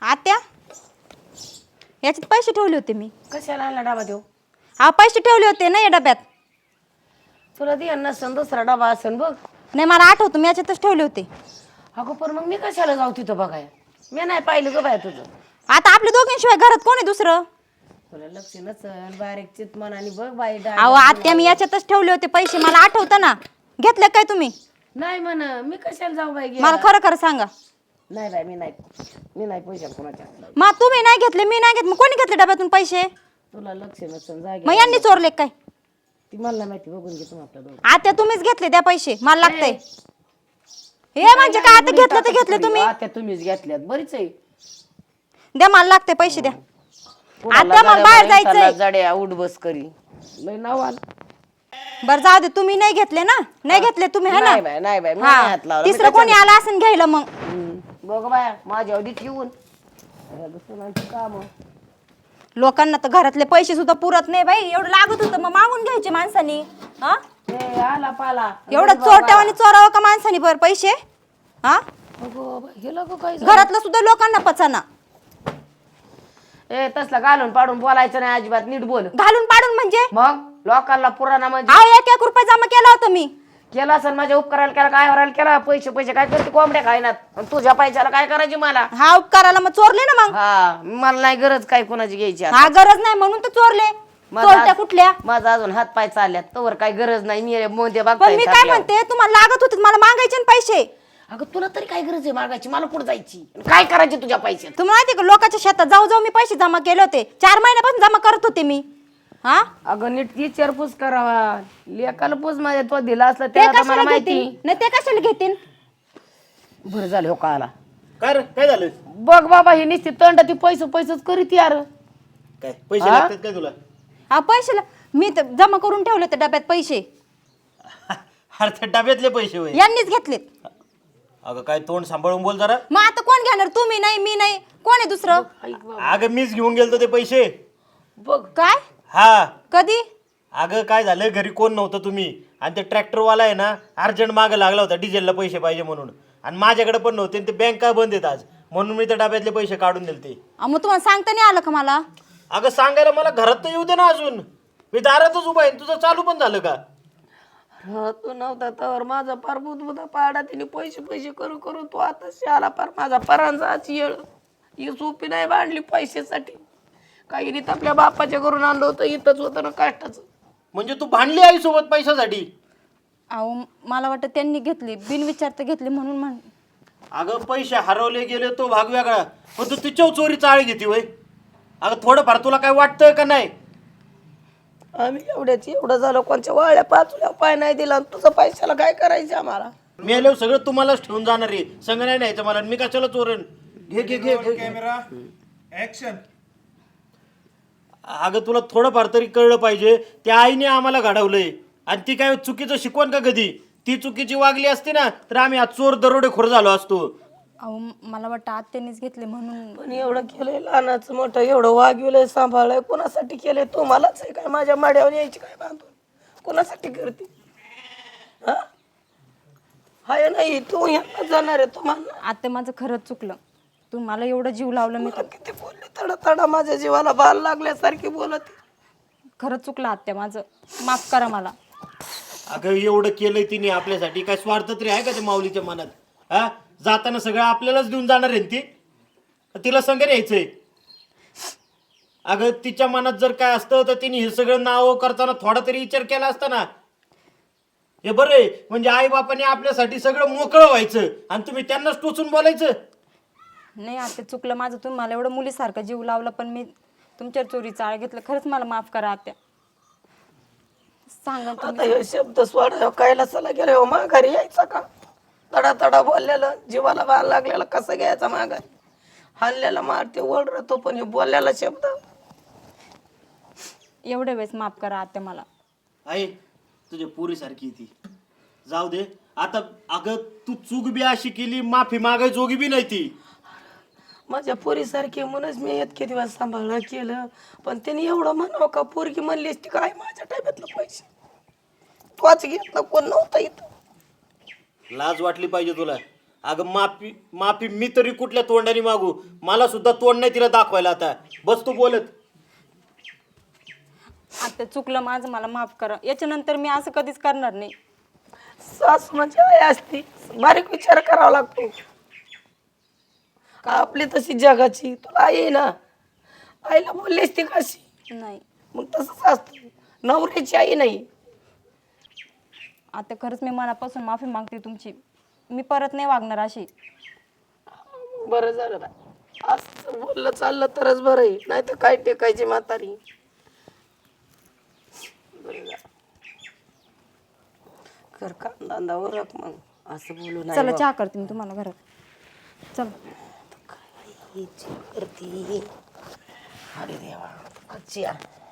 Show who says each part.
Speaker 1: आत्या याच्यात पैसे ठेवले होते मी.
Speaker 2: कशाला आणला डबा देऊ?
Speaker 1: हा पैसे ठेवले होते ना या डब्यात.
Speaker 2: तुला दे नसन दुसरा डबा असन बघ.
Speaker 1: नाही मला आठवतं मी याच्यातच ठेवले होते.
Speaker 2: अगं पण मग मी कशाला जाऊ तिथं बघाय? मी नाही पाहिलं ग बाय तुझं.
Speaker 1: आता आपल्या दोघींशिवाय घरात कोण आहे दुसरं?
Speaker 2: तुला लक्ष नसल बारीक चित मनाने बघ बाई.
Speaker 1: अहो आत्या मी याच्यातच ठेवले होते पैसे, मला आठवतं ना. घेतले काय तुम्ही?
Speaker 2: नाही म्हण मी कशाला जाऊ बाई?
Speaker 1: मला खरं खरं सांगा.
Speaker 2: नाही बाई मी नाही पैसे कोणाच्या.
Speaker 1: मग तुम्ही नाही घेतले, मी नाही घेतले, मग कोणी घेतले डब्यातून पैसे?
Speaker 2: तुला लक्ष नसन जागे.
Speaker 1: मग यांनी चोरले काय?
Speaker 2: ती मला माहिती, बघून घे तू आपल्या दोघं.
Speaker 1: आत्या तुम्हीच घेतले द्या पैसे, मला लागतंय. हे म्हणजे काय आता घेतलं तर घेतले तुम्ही?
Speaker 2: आता तुम्हीच घेतल्यात बरीच आहे.
Speaker 1: द्या मला लागते पैसे द्या. आत्या मला बाहेर जायचंय.
Speaker 2: जड्या उठ बस करी लय नावाल.
Speaker 1: बरं जाऊ दे, तुम्ही नाही घेतले ना? नाही घेतले तुम्ही है ना?
Speaker 2: नाही बाई मी
Speaker 1: हा.
Speaker 2: नाही हात लावला.
Speaker 1: तिसरं कोणी आला असं घ्यायला मग.
Speaker 2: बघ बाया माझ्या अवधीत येऊन काम.
Speaker 1: लोकांना तर घरातले पैसे सुद्धा पुरत नाही बाई. एवढं लागत होतं मग मागून घ्यायचे माणसानी. हा
Speaker 2: आला पाला
Speaker 1: एवढं चोरट्यावानी चोरावं का माणसानी बरं पैसे? हा घरातलं सुद्धा लोकांना पचाना.
Speaker 2: ए तसला घालून पाडून बोलायचं नाही अजिबात. नीट बोल.
Speaker 1: घालून पाडून म्हणजे?
Speaker 2: मग लोकांना पुराणा म्हणजे
Speaker 1: अहो 1-1 रुपये जमा केला होता मी.
Speaker 2: केला असेल माझ्या उपकाराला केला काय वरायला केला. पैसे काय करते कोंबड्या खायनात. तुझ्या पैशाला काय करायची मला?
Speaker 1: हा उपकाराला मग चोरले ना मग.
Speaker 2: हा मला नाही गरज काय कोणाची घ्यायची.
Speaker 1: हा गरज नाही म्हणून तर चोरले. चोरट्या कुठल्या?
Speaker 2: माझा अजून हात पाय चालल्यात तवर काय गरज नाही. मी मोदे
Speaker 1: पण
Speaker 2: बघताय.
Speaker 1: मी काय म्हणते, तुम्हाला लागत होते मला मागायचे ना पैसे.
Speaker 2: अगं तुला तरी काय गरज आहे मागायची? मला कुठं जायची? काय करायची तुझ्या पैशात?
Speaker 1: तुम्हाला माहिती का लोकांच्या शेतात जाऊ जाऊ मी पैसे जमा केले होते. 4 महिन्यापासून जमा करत होते मी. हा
Speaker 2: अगं नीट विचारपूस करावा. लेकाला पूस माझ्या तो दिला असला
Speaker 1: ते
Speaker 2: त्याला मला
Speaker 1: कशाला
Speaker 2: माहिती.
Speaker 1: घेतील? नाही ते कशाला घेतील?
Speaker 2: बरं झालं हो का आला.
Speaker 3: काय रे काय झालं?
Speaker 2: बघ बाबा ही निश्चित तंड ती पैसेच करीत यार.
Speaker 3: काय पैसे लागतात काय तुला?
Speaker 1: हा पैसे मी तर जमा करून ठेवले होते डब्यात पैसे.
Speaker 3: अरे त्या डब्यातले पैसे होय.
Speaker 1: यांनीच घेतलेत.
Speaker 3: अगं काय तोंड सांभाळून बोल जरा.
Speaker 1: मग आता कोण घेणार? तुम्ही नाही, मी नाही, कोण आहे दुसरं?
Speaker 3: अगं मीच घेऊन गेलतो ते पैसे.
Speaker 2: बघ
Speaker 1: काय
Speaker 3: हा
Speaker 1: कधी?
Speaker 3: अगं काय झालं घरी कोण नव्हतं तुम्ही आणि ते ट्रॅक्टरवाला आहे ना अर्जंट मागं लागला होता डिझेलला पैसे पाहिजे म्हणून. आणि माझ्याकडे पण नव्हते आणि ते बँका बंद आहेत आज म्हणून मी त्या डब्यातले पैसे काढून दिले.
Speaker 1: मग तुम्हाला सांगता नाही आलं का मला?
Speaker 3: अगं सांगायला मला घरात तर येऊ दे ना अजून. मी दारातच उभा आहे. तुझं चालू पण झालं का?
Speaker 2: तू नव्हता तर माझा पार बुधबुधा पाडा. तिने पैसे करू करू तू आता आला पार माझा परांजाची येळ. ही सोपी नाही बांधली पैशासाठी. काही नाही आपल्या बापाच्या घरून आणलं होतं. इथंच होतं ना कष्टाचं.
Speaker 3: म्हणजे तू भांडली आई सोबत पैशासाठी?
Speaker 1: अहो मला वाटतं त्यांनी घेतली बिनविचारता घेतली म्हणून म्हण.
Speaker 3: अगं पैसे हरवले गेले तो भाग वेगळा पण तू तिच्यावर चोरी चाळ घेते वय. अगं थोडंफार तुला काय वाटतंय का नाही?
Speaker 2: आम्ही एवढं झालं कोणच्या वाळ्या पाचल्या पाय नाही दिला. तुझं पैशाला काय करायचं आम्हाला?
Speaker 3: मी आल्यावर सगळं तुम्हालाच ठेवून जाणार आहे. संग नाही न्यायचं मला. मी कशाला चोरण? घे घे घे घे.
Speaker 4: Camera action.
Speaker 3: अगं तुला थोडंफार तरी कळलं पाहिजे. त्या आईने आम्हाला घडवलंय आणि ती काय चुकीचं शिकवण का कधी? ती चुकीची वागली असती ना तर आम्ही आज चोर दरोडेखोर झालो असतो.
Speaker 1: अहो मला वाटतं आत्यानेच घेतले म्हणून.
Speaker 2: पण एवढं केलंय लहानाचं मोठं एवढं वागविलंय सांभाळलंय. कोणासाठी केलंय? तुम्हालाच आहे काय? माझ्या माड्यावर यायची काय बांधून? कोणासाठी करते? हा हाय नाही तू ह्याला जाणार आहे तुम्हाला.
Speaker 1: आत्या माझं खरंच चुकलं. तुम्हाला एवढं जीव लावलं मी.
Speaker 2: किती बोलले तडा तडा माझ्या जीवाला बाल लागल्यासारखी बोलत.
Speaker 1: खरंच चुकलं आत्या माझं. माफ करा मला.
Speaker 3: अगं एवढं केलंय तिने आपल्यासाठी. काय स्वार्थ तरी आहे का त्या माऊलीच्या मनात? हा जाताना सगळं आपल्यालाच देऊन जाणार आहे ती. तिला संग न्यायचंय. अगं तिच्या मनात जर काय असतं तर तिने हे सगळं नाव करताना थोडा तरी विचार केला असता ना. हे बरं आहे म्हणजे आई बापाने आपल्यासाठी सगळं मोकळं व्हायचं आणि तुम्ही त्यांनाच टोचून बोलायचं.
Speaker 1: नाही आत्या चुकलं माझं. तुम्ही मला एवढं मुलीसारखं जीव लावला पण मी तुमच्या चोरी चाळ घेतलं. खरंच मला माफ करा आत्या. सांगा
Speaker 2: आता हे शब्द सोडा कैलासाला गेले हो माघारी यायचा का? तडा तडा बोललेलं जीवाला बाल लागलेला कसं घ्यायचा माघारी? हल्ल्याला मारते ओढतो पण हे बोललेला शब्द.
Speaker 1: एवढ्या वेळेस माफ करा आत्या मला.
Speaker 3: आई तुझ्या पोरीसारखी ती जाऊ दे आता. अगं तू चूक बी अशी केली माफी मागाय जोगी बी नाही ती.
Speaker 2: माझ्या पोरीसारखी म्हणूनच मी इतके दिवस सांभाळलं केलं. पण त्यांनी एवढं म्हणावं का? पोरगी म्हणली असती काय माझ्या टाब्यातलं पैसे तोच घेतलं कोण नव्हतं इथं.
Speaker 3: लाज वाटली पाहिजे तुला. अगं माफी माफी मी तरी कुठल्या तोंडाने मागू? मला सुद्धा तोंड नाही तिला दाखवायला. आता बस तू बोलत.
Speaker 1: आता चुकलं माझं, मला माफ करा. याच्यानंतर मी असं कधीच करणार नाही.
Speaker 2: सासू म्हणजे आई असती, बारीक विचार करावा लागतो. आपली तशी जगाची तुला आई आहे ना, आईला बोललीस ती कशी?
Speaker 1: नाही
Speaker 2: मग तसंच असतं, नवऱ्याची आई नाही.
Speaker 1: आता खरंच मी मनापासून माफी मागते तुमची. मी परत नाही वागणार अशी.
Speaker 2: बरं झालं ना असं बोललं चाललं तरच बरं आहे, नाही तर काय टेकायची म्हातारी. बरं झालं. कर कांदा उरक मग, असं बोलू नाही
Speaker 1: चला
Speaker 2: बा.
Speaker 1: चहा करते मी तुम्हाला घरात. चल.
Speaker 2: काय करते? अरे देवा, आजची